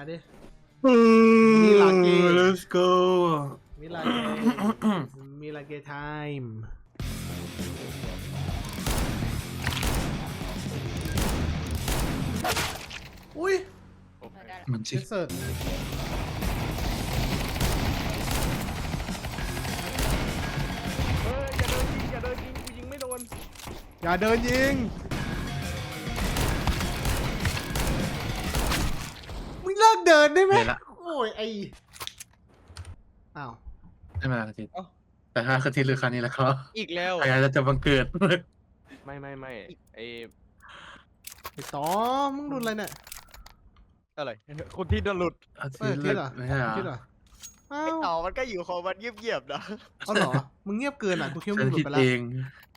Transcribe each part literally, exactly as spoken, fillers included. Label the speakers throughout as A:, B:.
A: ดิมิลาเก
B: let's go
A: มิลาเกมิลาเกไทม์อุ้ย
B: เหมือน
A: เช
B: ชิ
A: สเซิร์ต
C: เฮ้ยอย่าเดินยิงอย่าเดินยิงกูยิงไม่โดน
A: อย่าเดินยิงมึงเลิกเดินได้ไหม
B: เห็นละ
A: โอ้ยไออ้าว
B: ได้มาอาทิตย์แต่ถ้าอาทิตย์หรือครั้งนี้แล้วก็
C: อีกแล้ว
B: พยายามจะบังเกิด
C: ไม่ไม่ไม่ไอ
A: ไอต่อมึงโดนอะไรเนี่ย
C: อะไรคนที่โดนหลุด
B: อา
A: เอ
B: ทิ
A: อ
B: ตย์
A: คิดเหรอ
B: ไม่ใช่เหรอ
A: คิดเหรออ้า
C: ไอ
A: ว
C: ต่อมันก็อยู่ของมันเงียบๆนะ
A: เอาเหรอมึงเงียบเกินอ่ะกูคิดว่า
B: ฉั
A: มึ
B: น
A: งหลุ
B: คิ
A: ด
B: ด
A: ไปแล้
B: เอ
A: ว
B: ง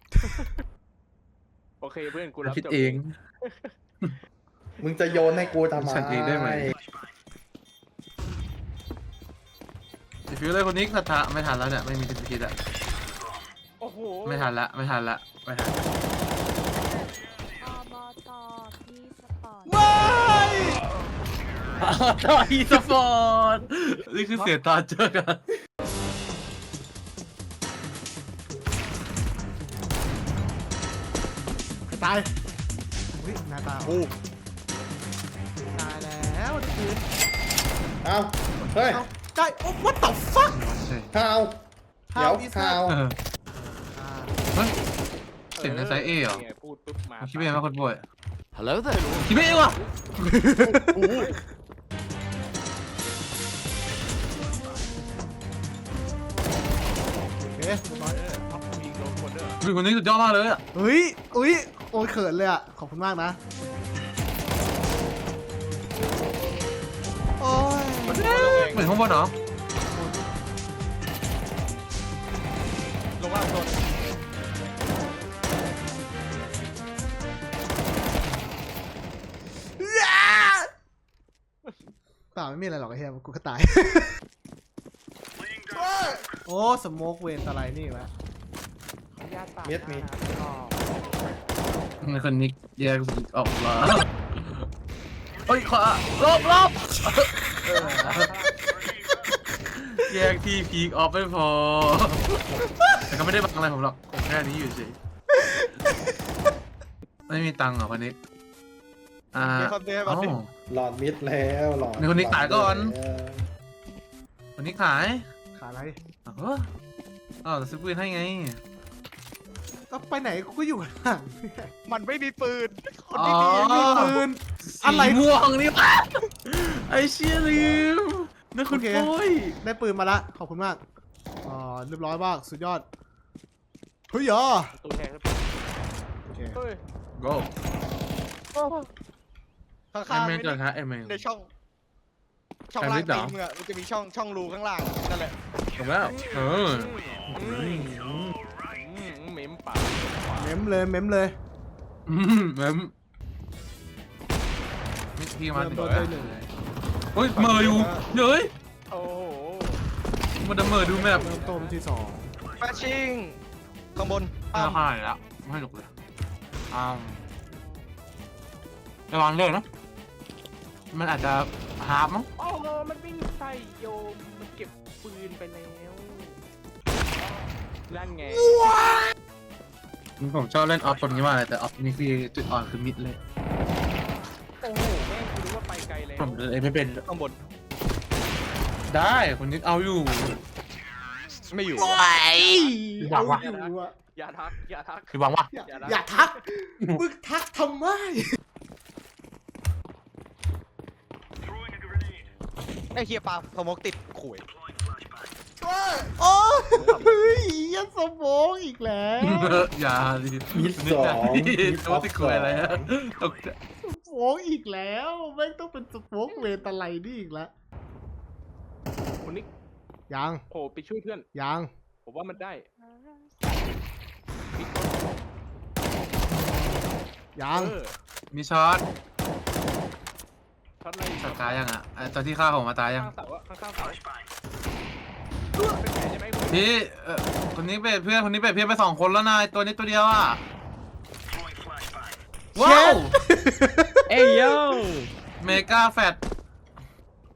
C: โอเคเพื่อนกู
B: ฉัน
C: รับ
B: คิด
C: จบ
B: เอง
D: มึงจะโยนให้กูทำไม
B: ฉันเองได้ไหมฟิวเลยคนนี้คาถาไม่ทันแล้วเนี่ยไม่มีสิทธิ์คิดอะ
C: โอ้โห
B: ไม่ทันละไม่ทันละไม่ทัน
E: อบตพี่สปอร์ต
A: ไม่
B: ต่ออีสปอร์ตนี่คือเสียตอนเจอกัน
A: ตายอุ้ยหน้าตา
C: โอ้
A: ตายแล้วนี่คือ
D: เอ้าเฮ้ย
A: เอ้าได้โอ้ what the fuck
D: ข้าวเดี๋ยว
A: is
D: ข้าว
A: that
B: เออ
A: อ่า
B: เฮ้ยเสียงในไซส์เอเหรอ
C: นี่ไงพูดปุ๊บมา
B: คิดเป็นว่าคนป่วย
C: ฮัลโหลเธอรู้
B: คิดไม่เองว่ะ
A: โอเคเรียบร้อย
C: ท็อปยิงโดนคนเด้อ
B: คือคนนี้สุดยอดมากเลยอะ
A: เฮ้ยอุ้ยโอ้ยเขินเลยอ่ะขอบคุณมากนะโอ้ย
B: เหมือนข้างบนเหรอ
C: ลงล่างโดน
A: เปล่าไม่มีอะไรหรอกไอ้เหี้ยกูก็ตาย โอ้สโมกเวนอะไรนี่วะ
C: ญาติปาก
D: เม็ดมี
B: ในคนนี้แยกออกมาเฮ้ยขวาลบลบแยกที่พีคออฟไม่พอ แต่ก็ไม่ได้บังอะไรผมหรอกผมแค่นี้อยู่เฉยไม่มีตังค์เหรอคนนี้อ่า
C: มีคำเตือนมา
B: อ๋อ
C: สิ
D: หลอดมิดแล้วหลอด
B: มีคนนี้ขายก่อน
D: แล้ว
B: คนนี้ขาย
A: ขาอะไร
B: อ๋ออ๋อแต่ซื้อปืนให้ไง
A: ก็ไปไหนกูก็อยู่ข้างหลัง
C: มันไม่มีปืนคน
B: อ๋อ
C: ที่มี
A: มีปืน อะไร
B: สีม่วงนี่ปะไอเชี่ยลืมนั่นคุณ
A: โอเค
B: ปุ้ย
A: ได้ปืนมาละขอบคุณมากอ๋อเรียบร้อยมากสุดยอดเฮ้ยอ่ะ
C: ตัวแทนครับ
A: โอเค
C: เฮ้ย
B: โก้
C: ข้า
B: ไอง
C: ๆ
B: เม
C: ไม่
B: น
C: ได้
B: เกิดฮะไอเมน
C: ในช่อง ช่อง
B: แอ
C: ล่า
B: ลิ
C: ง
B: สเหร
C: ตี
B: อ
C: มึงอะมันจะมีช่องช่องรูข้างล่างนั่นแหละ
B: ถูกแล้วเออ
C: อืมอืมอืมเหม็มปาก
A: เม้มเลยเม้มเลย
B: อืมแมมพี่มา
A: เริ่ม
B: ถึง
A: ต้น
B: แล้ว
A: ด้วยหนึ่ง
B: เฮ้ยเมอร์อยู่เฮ้ย
C: โอ้โห
B: มันจะเมอร์ดูแมพ
A: เริ่มต้นที่สอง
C: แฟชชิ่งข้างบน
B: อ้า
C: อ้าว
B: วหายแล้วไม่หนุกเลยอ้าวระวังเรื่องนะมันอาจจะฮาร์ปมั้ง
C: โอ้โหมันวิ่งใส่โยมมันเก็บปืนไปแล้วนั่นไง
B: ผมชอบเล่นออฟตรงนี้มากเลยแต่ออฟนี่คือจุดอ่อนคือมิดเลย
C: โอ้โหแม่งกูรู้ว่าไปไกลแล้ว
B: ผมเลยไม่เป็น
C: ข้างบน
B: ได้คนนี้เอาอยู่
C: ไม่อยู่
A: โอ้ย
B: หวังวะ
A: เอาอยู่อะ
C: อย่าทักอย่าทัก
B: คือหวังว่า
A: อย่า
C: อย่านะ
A: อย่าทักมึงทักทำไม
C: ไอ้เฮียปลาสโมกติดข่วย
A: โอ้ยยันสมองอีกแล้ว
B: อย่าดิ
D: มิดสองมิด
B: ตัวติดคุยอะไรฮะตกใจ
A: สมองอีกแล้วแม่งต้องเป็นสโมกเวตอะไรนี่อีกแล้ว
C: คนนี้
A: ยัง
C: โผล่ไปช่วยเพื่อน
A: ยัง
C: ผมว่ามันได้
A: ยัง
C: เออ
B: มีช็อต
C: ช็อตอะไร
B: ช็อตตายยังอ่ะไอ้ตอนที่ฆ่าผมมาตายยัง
C: ข้างเสาอะข้างๆเสาเป็นแผลใช่ไหมคุณ
B: พี่เอ่อคนนี้เป็นเพื่อนคนนี้เป็นเพื่อนไปสองคนแล้วนายตัวนี้ตัวเดียวอ่ะว้าว
C: เอ้ยโย
B: เมกาแฟต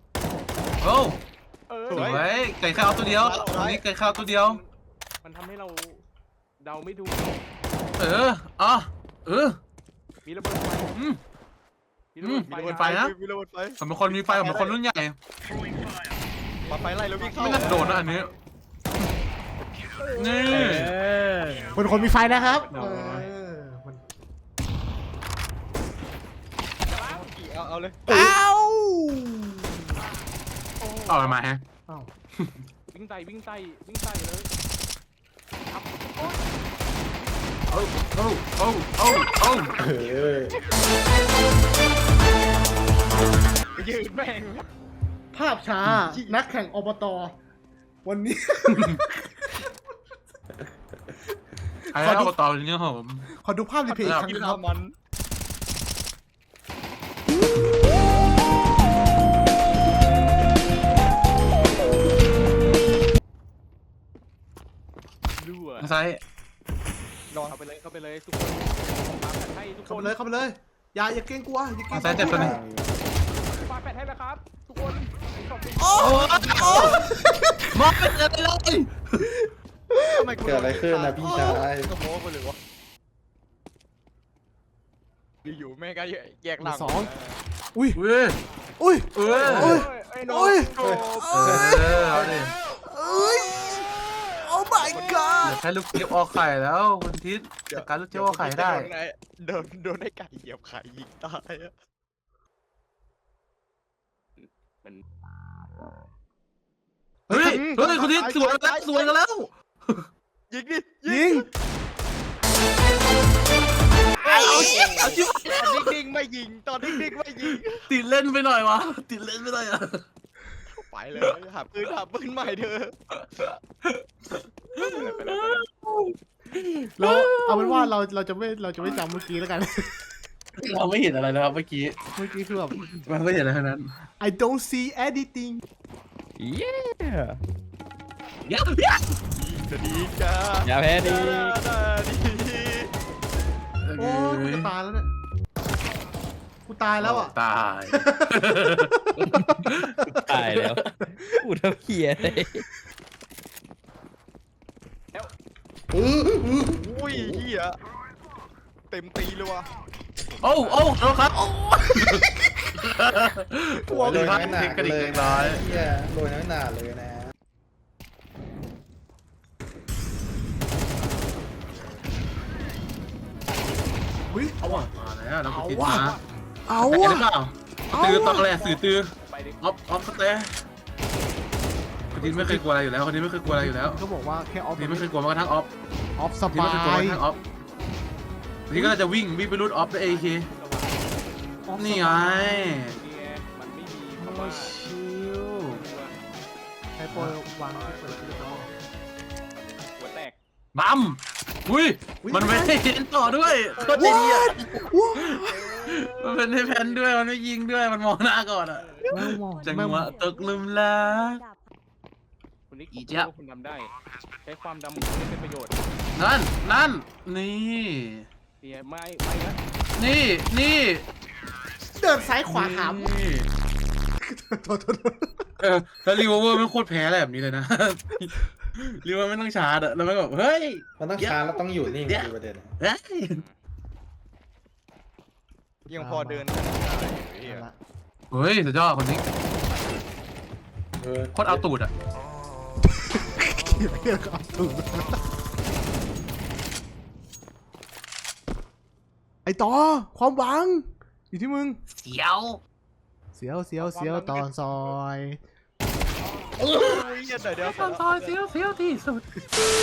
B: โอ้
C: เออ
B: สวยไก่ข้าวตัวเดียวตรงนี้ไก่ข้าวตัวเดียว
C: มันทำให้เราเดาไม่ถูก
B: เอออ่ะเออ
C: มีระเบิดไฟ
B: อืม
C: มีระเบิดไฟ
B: อืมมีระเบิดไฟนะ
F: มีระเบิดไฟ
B: ผมเป็นคนมีไฟผมเป็นคนรุ่นใหญ่
F: ปาไฟไล่แล้ววิ่งเข้า
B: ไม่น่าจะโดนนะอันนี้นี่
A: คนคนมีไฟนะครับ
B: โอ้
A: เอย อมัน
F: เอาเอาเลย
A: เอ้า
B: เอาอะไรมาฮะ
A: เอ้า
C: วิ่งไต่วิ่งไต่วิ่งไต่เลย
B: โอ้โอ้โอ้โอ้โอ้
D: เออ
F: ยืนแม่ง
A: ภาพช้านักแข่งอบตวันนี้
B: ไอ้เอาต่อเลยเนี่ยผม
A: ขอดูภาพรีเพลย์อีกครั้ง
F: กิน
A: นะครับ
F: ข้าวมัน
C: รั่ว
B: ทางซ้าย
F: นอน
C: เข้าไปเลยเข้าไปเลยทุกคนปาแปดให้ทุกค
A: เข้าไป
C: น
A: เลยเข้าไปเลยอย่าอย่าเกรงกลัวอย่าเกรง
B: ทางซ้ายเจ็บตัวหนึง
C: ปาแปดให้แล้วครับ ทุกคนขอบคุณ
A: โอ้โอ้
B: มองไม่เจอเลย
F: ทำไม
D: เกิดอะไรขึ้นนะพี่ชาย
F: ก็โม้ไปเลยวะอยู่ๆแม่งก็แยกหลัง
A: สองอุ้ย
B: เว้ย
A: อุ้ย
B: เอ้ย
A: โอ้ย
C: ไอ้น้อง
A: โอ้ย
C: โอ้
B: เออเอาดิ
A: เอ้ยโอ้ my
B: เดี๋
A: god
B: ยวแค่ลูกเจี๊ยบออกไข่แล้วคุณทิศจัดการลูกเจี๊ยบออกไข่ได้
F: โดนโดนไอ้ไก่เหยียบไข่ยิงตายอะ
B: เฮ้ยเฮ้ยคุณทิศสวยกันแล้วสวยกันแล้ว
F: ยิงดิ
A: ยิง
B: เอาเอาชิบ
F: ตอนนิ่งๆไม่ยิงตอนนิ่งๆไม่ยิง
B: ติดเล่นไปหน่อยวะติดเล่นไปหน่อยอะ
F: ไปเลยหาปืนหาปืนใหม่เถอะ
A: เราเอาเป็นว่าเราเราจะไม่เราจะไม่จำเมื่อกี้แล้วกัน
B: เราไม่เห็นอะไรแล้วครับเมื่อกี้
A: เมื่อกี้คือแบบ
B: มันไม่เห็นอะไรทั้งนั้น
A: I don't see anything
B: เย้เย้
F: จะดีจ้า
G: อย่าแพ้ดี
F: ดี
A: โอ้ยกูจะตายแล้วเนี่ยกูตายแล้วอ่ะ
B: ตาย
G: ตายแล้วพูดทำเพี้ยเลย
D: เออเออ
F: อุ้ยเฮียเต็มตีเลยวะ
B: โอ้โอ้ขอโทษครับ
D: หัวเลยน้อยหนา
B: กระดิก
D: เลย
B: เล็กน้อย
D: เฮียโรยน้อยหนาเลยนะ
A: อุ้ย
B: เอาว่ะมาแล้วเราคุณทิศ
A: เอาว่ะ
B: มา
A: เอา
B: แต่
A: ว่ะ
B: หรือเปล่า
A: เอา
B: ตือ
A: ว่ะ
B: ตอนแรกสื่อตือ
C: ไปดิ
B: ออฟออฟสเตย์คนนี้ไม่เคยกลัวอะไรอยู่แล้วคนนี้ไม่เคยกลัวอะไรอยู่แล้ว
A: เขาบอกว่าแค่ออฟ
B: คนนี้ไม่เคยกลัวแม้กระทั่งออฟ
A: ออฟส
B: คนนี้
A: ปา
B: ไม่เคยกลัวย แม้กระทั่งออฟคนนี้ก็จะวิ่งวิ่งไปรูดออฟด้วยเอเค
A: ออฟ
B: นี่ไง
C: นี่ไงมันไม่มีคำ
B: โอ้
C: ว่า
B: ชิว
A: ใช้โปรวางที่เปิดที่จะ
C: หัวแตก
B: บัมอุ้ย
A: อุ๊ย
B: มันไม่ได้เห็นต่อด้วยโคตรใจดีอ่ะ
A: ว้า
B: มันเป็นให้แพนด้วยมันไม่ยิงด้วยมันมองหน้าก่อนอ่ะ
A: แมวมอง
B: จังหวะตกหลุมรัก
C: คุณนิก
B: อีเจี๊ยบ
C: ว่าคุณทำได้ ใช้ความดำของคุณให้เป็นประโยชน์
B: นั่นนั่นนี่
C: เนี่ยไม่ไม่นะ
B: นี่นี่
A: เดินซ้ายขวาหาม
B: นี่
A: โทษโทษโทษ
B: เออแล้วรีเวอร์ไม่โคตรแพ้อะไรแบบนี้เลยนะ รีเวอร์ไม่ต้องชาร์จอะแล้วมันแบบเฮ้ย
D: มันต้องช้าแล้วต้องอยู่นิ่งคือประเด็น
B: เฮ้ย
F: ยังพอเดินได้เฮีย
A: เอาละ
B: เฮ้ยสุดยอดคนนี้
D: เออ
B: โคตรเอาตูดอะ
A: เกี่ยวเกี่ยวกับเอาตูดไอต่อความหวังอยู่ที่มึง
B: เสียว
A: เสียวเสียวเสียวตอนซอย
F: โอ้ยเดี๋ยวเดี๋ยว
B: ซอยเสียวเสียวที่สุด